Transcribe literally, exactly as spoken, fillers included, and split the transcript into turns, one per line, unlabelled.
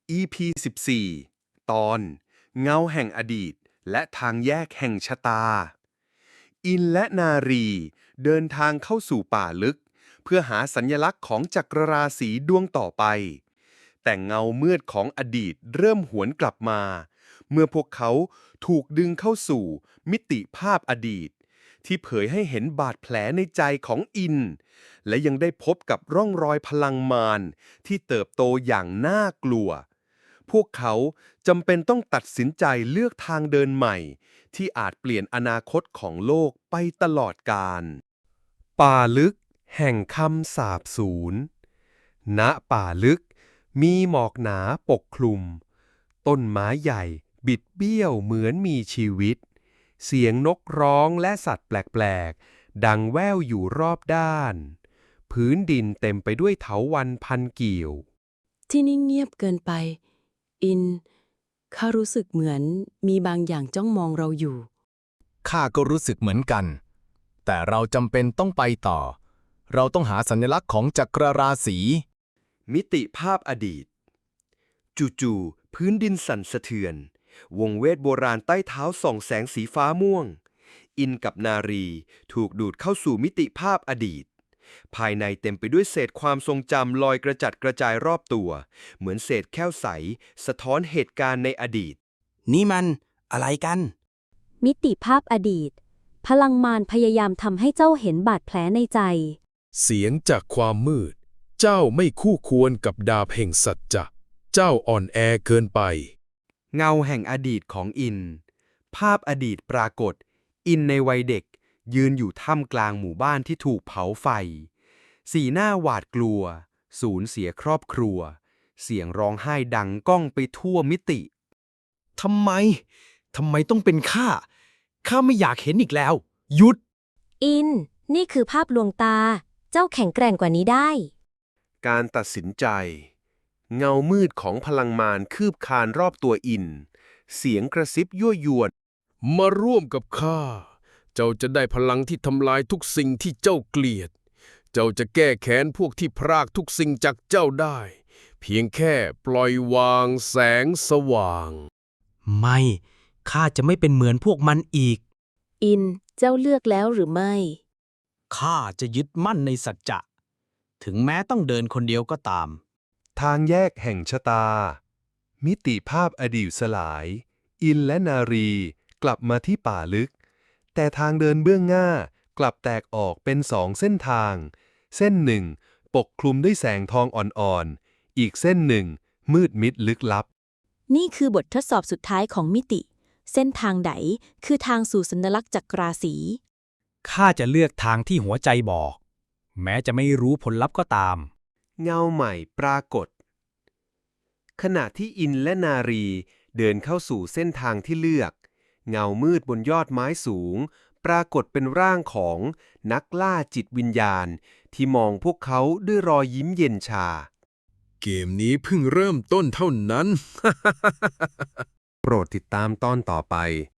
อี พี สิบสี่ ตอนเงาแห่งอดีตและทางแยกแห่งชะตา อินและนารีเดินทางเข้าสู่ป่าลึกเพื่อหาสัญลักษณ์ของจักรราศีดวงต่อไป แต่เงามืดของอดีตเริ่มหวนกลับมา เมื่อพวกเขาถูกดึงเข้าสู่มิติภาพอดีต ที่เผยให้เห็นบาดแผลในใจของอิน และยังได้พบกับร่องรอยพลังมารที่เติบโตอย่างน่ากลัว พวกเขาจำเป็นต้องตัดสินใจเลือกทางเดินใหม่ ที่อาจเปลี่ยนอนาคตของโลกไปตลอดกาล ป่าลึกแห่งคำสาปสูญ ณ ป่าลึกมีหมอกหนาปกคลุม ต้นไม้ใหญ่บิดเบี้ยวเหมือนมีชีวิต เสียงนกร้องและสัตว์แปลกๆ ดังแว่วอยู่รอบด้าน พื้นดินเต็มไปด้วยเถาวัลย์พันเกี่ยว
ที่นี่เงียบเกินไป อิน ข้ารู้สึกเหมือนมีบางอย่างจ้องมองเราอยู่
ข้าก็รู้สึกเหมือนกัน แต่เราจำเป็นต้องไปต่อ เราต้องหาสัญลักษณ์ของจักรราศี
มิติภาพอดีต จู่ๆพื้นดินสั่นสะเทือน วงเวทโบราณใต้เท้าส่องแสงสีฟ้าม่วง อินกับนารีถูกดูดเข้าสู่มิติภาพอดีต ภายในเต็มไปด้วยเศษความทรงจำลอยกระจัดกระจายรอบตัว เหมือนเศษแก้วใสสะท้อนเหตุการณ์ในอดีต
นี่มันอะไรกัน
มิติภาพอดีต พลังมารพยายามทำให้เจ้าเห็นบาดแผลในใจ
เสียงจากความมืด เจ้าไม่คู่ควรกับดาบแห่งสัจจะ เจ้าอ่อนแอเกินไป
เงาแห่งอดีตของอิน ภาพอดีตปรากฏ อินในวัยเด็ก ยืนอยู่ท่ามกลางหมู่บ้านที่ถูกเผาไฟ สีหน้าหวาดกลัว สูญเสียครอบครัว เสียงร้องไห้ดังก้องไปทั่วมิติ
ทำไม ทำไมต้องเป็นข้า ข้าไม่อยากเห็นอีกแล้ว หยุด
อิน นี่คือภาพลวงตา เจ้าแข็งแกร่งกว่านี้ได้
การตัดสินใจ เงามืดของพลังมารคืบคานรอบตัวอิน เสียงกระซิบยั่วยวน
มาร่วมกับข้า เจ้าจะได้พลังที่ทำลายทุกสิ่งที่เจ้าเกลียด เจ้าจะแก้แค้นพวกที่พรากทุกสิ่งจากเจ้าได้ เพียงแค่ปล่อยวางแสงสว่าง
ไม่ ข้าจะไม่เป็นเหมือนพวกมันอีก
อิน เจ้าเลือกแล้วหรือไม่
ข้าจะยึดมั่นในสัจจะ ถึงแม้ต้องเดินคนเดียวก็ตาม
ทางแยกแห่งชะตา มิติภาพอดีตสลาย อินและนารีกลับมาที่ป่าลึก แต่ทางเดินเบื้องหน้ากลับแตกออกเป็นสองเส้นทาง เส้นหนึ่งปกคลุมด้วยแสงทองอ่อนๆ อีกเส้นหนึ่งมืดมิดลึกลับ
นี่คือบททดสอบสุดท้ายของมิติ เส้นทางไหนคือทางสู่สัญลักษณ์จักราศี
ข้าจะเลือกทางที่หัวใจบอก แม้จะไม่รู้ผลลัพธ์ก็ตาม
เงาใหม่ปรากฏ ขณะที่อินและนารีเดินเข้าสู่เส้นทางที่เลือก เงามืดบนยอดไม้สูง ปรากฏเป็นร่างของนักล่าจิตวิญญาณ ที่มองพวกเขาด้วยรอยยิ้มเย็นชา
เกมนี้เพิ่งเริ่มต้นเท่านั้น
โปรดติดตามตอนต่อไป